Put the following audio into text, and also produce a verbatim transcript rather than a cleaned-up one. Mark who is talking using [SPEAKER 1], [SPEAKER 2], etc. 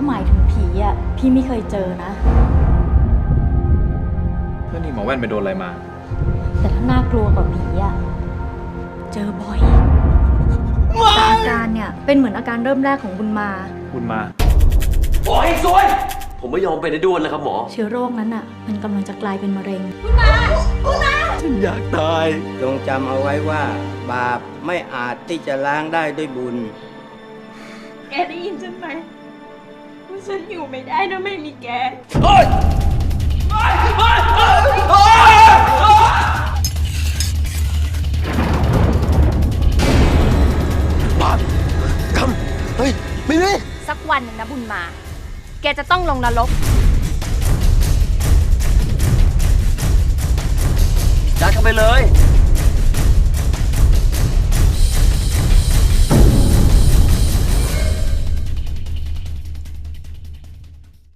[SPEAKER 1] หมายถึงผีอ่ะพี่ไม่เคยเจอนะ
[SPEAKER 2] เพื่อนนี่หมอแว่นไปโดนอะไรมา
[SPEAKER 1] แต่ถ้าน่ากลัวกว่าผีอ่ะเจอบ่อยแต่อาการเนี่ยเป็นเหมือนอาการเริ่มแรกของบุญมา
[SPEAKER 2] บุญมา
[SPEAKER 3] โอ้ยสวยผมไม่ยอมไปในด้วนนะครับหมอ
[SPEAKER 1] เชื้อโรคนั้นอ่ะมันกำลังจะกลายเป็นมะเร็ง
[SPEAKER 3] ฉันอยากตาย
[SPEAKER 4] จงจำเอาไว้ว่าบาปไม่อาจที่จะล้างได้ด้วยบุญ
[SPEAKER 5] แกได้ยินฉันไหมว่าฉันอยู่ไม่ได้ถ้าไม่มีแก
[SPEAKER 3] บาปกรรมเฮ้ยไม่มี
[SPEAKER 5] สักวันหนึ่งนะบุญมา แกจะต้องลงนรก
[SPEAKER 3] ยัดเข้าไปเลย